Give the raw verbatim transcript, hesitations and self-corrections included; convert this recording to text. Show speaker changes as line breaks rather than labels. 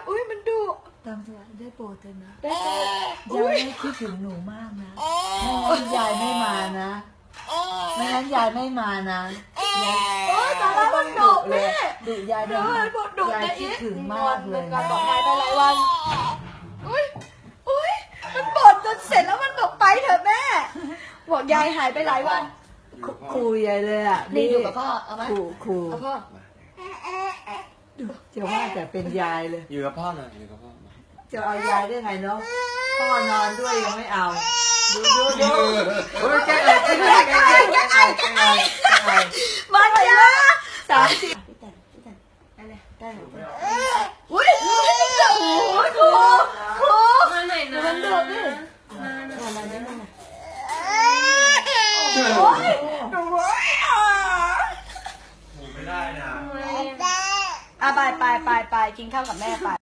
อุ้ยมันดุ
ตามตัวได้โปรดเถอะนะ
ได้ตัวย
ายไม่คิดถึงหนูมากนะไม่งั้นยายไม่มานะไม่งั้นยายไม่มานะยาย
โอ้ยแต่ละมันดุ
เล
แม่
ยดุยาย
เดี๋ยวมันดุ
ยาย
นะ
คิ
อี
ด
ก
ถึงมากเลย
การ
นะ
บอกหายไปหลายวันอุ้ยอุ้ยมันบ่นจนเสร็จแล้วมันบอกไปเถอะแม่บอกยายหายไปหลายวัน
คุยยายเลยอ่ะ
นี่อยู่กับพ่อเอาไหม
ขู่ขู่
เอาพ่อ
จะว่าแต่เป็นยายเลย
อยู่กับพ่อหน่อยอยู่กับพ่อมา
จะเอายายได้ไงเนาะพ่อนอนด้วยยังไม่เอาดูดูดู
โอ้ยแกอะไรแกอะไรแกอะไรแกอะไรแกอะไรแกอะไร
มาเลยนะ
สามสิบ
พี่แต่พี่แต่อะไรได้เหรออุ้ยโอ้ยครูครู
มาหน่อยนะ
มันดุดิ
มาหน่อย
มาได้มั้ย
โอ้ย
ไม่ได้นะ
อ่ะไปไปไปไปกินข้าวกับแม่ไป